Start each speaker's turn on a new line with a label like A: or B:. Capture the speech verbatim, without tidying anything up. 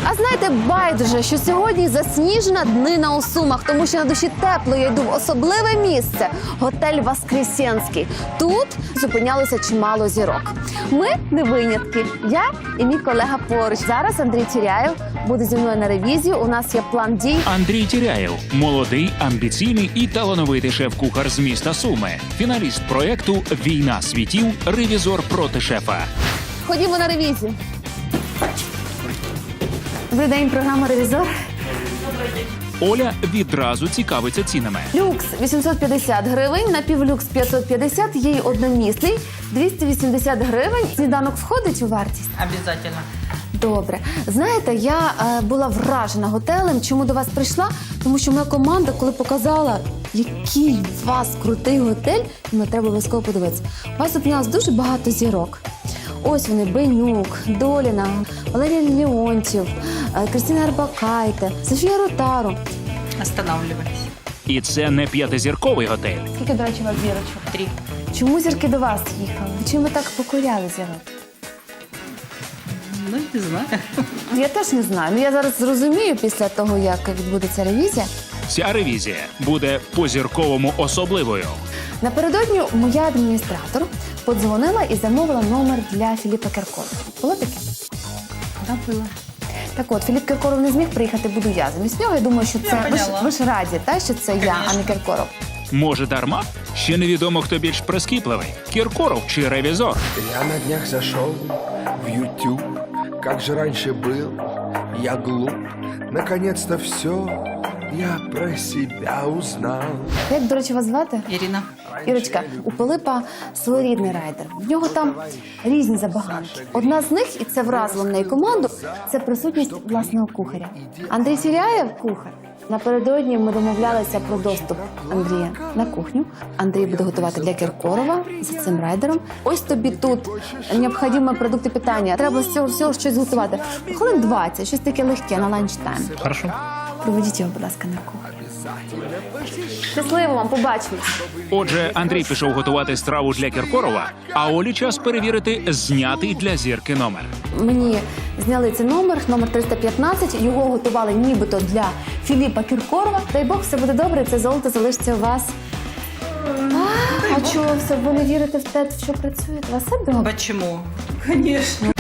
A: А знаєте, байдуже, що сьогодні засніжена днина у Сумах, тому що на душі тепло, я йду в особливе місце – готель «Воскресенський». Тут зупинялося чимало зірок. Ми не винятки. Я і мій колега поруч. Зараз Андрій Тіряєв буде зі мною на ревізію. У нас є план дій.
B: Андрій Тіряєв – молодий, амбіційний і талановитий шеф-кухар з міста Суми. Фіналіст проєкту «Війна світів. Ревізор проти шефа».
A: Ходімо на ревізію. Добрий день, програма «Ревізор».
B: Оля відразу цікавиться цінами.
A: Люкс вісімсот п'ятдесят гривень, напівлюкс п'ятсот п'ятдесят, є й одномісний двісті вісімдесят гривень. Сніданок входить у вартість?
C: Обязательно.
A: Добре. Знаєте, я е, була вражена готелем. Чому до вас прийшла? Тому що моя команда, коли показала, який у вас крутий готель, мені треба обов'язково подивитися. У вас зупинялось дуже багато зірок. Ось вони: Бенюк, Доліна, Валерій Леонтьєв, е, Кристина Арбакайте, Софія Ротару.
C: Останавливались.
B: І це не п'ятизірковий готель.
A: Скільки, до речі, у вас зірочок?
C: Три.
A: Чому зірки до вас їхали? Чим ви так покоряли зірок?
C: Ну, не знаю.
A: Я теж не знаю. Ну я зараз зрозумію після того, як відбудеться ревізія.
B: Ця ревізія буде по-зірковому особливою.
A: Напередодні моя адміністратор подзвонила і замовила номер для Філіпа Кіркорова. Було таке?
C: Да, было.
A: Так от, Філіп Кіркоров не зміг приїхати, буду я замість нього. Я думаю, що це...
C: Я
A: ви, ж,
C: поняла.
A: ви ж раді, та, що це я, а не Кіркоров.
B: Може, дарма? Ще невідомо, хто більш прискіпливий – Кіркоров чи ревізор.
D: Я на днях зашел в YouTube, как же раньше был я глуп. Наконец-то все я про себя узнал.
A: Як, до речі, вас звати?
C: Ирина.
A: Ірочка, у Пилипа своєрідний райдер. В нього там різні забаганки. Одна з них, і це вразило мене і команду, це присутність власного кухаря. Андрій Тіряєв – кухар. Напередодні ми домовлялися про доступ Андрія на кухню. Андрій буде готувати для Кіркорова за цим райдером. Ось тобі тут необхідні продукти питання. Треба з цього всього щось готувати. Хвилин двадцять, щось таке легке на ланчтайм.
B: Хорошо.
A: Проведіть його, будь ласка, на кухню. Щасливо вам, побачимось.
B: Отже, Андрій пішов готувати страву для Кіркорова, а Олі час перевірити знятий для зірки номер.
A: Мені зняли цей номер, номер триста п'ятнадцять. Його готували нібито для Філіпа Кіркорова. Дай Бог, все буде добре, це золото залишиться у вас. А, а чого все? Ви не вірите в те, в що працює? У вас все добре?
C: Почему? Конечно.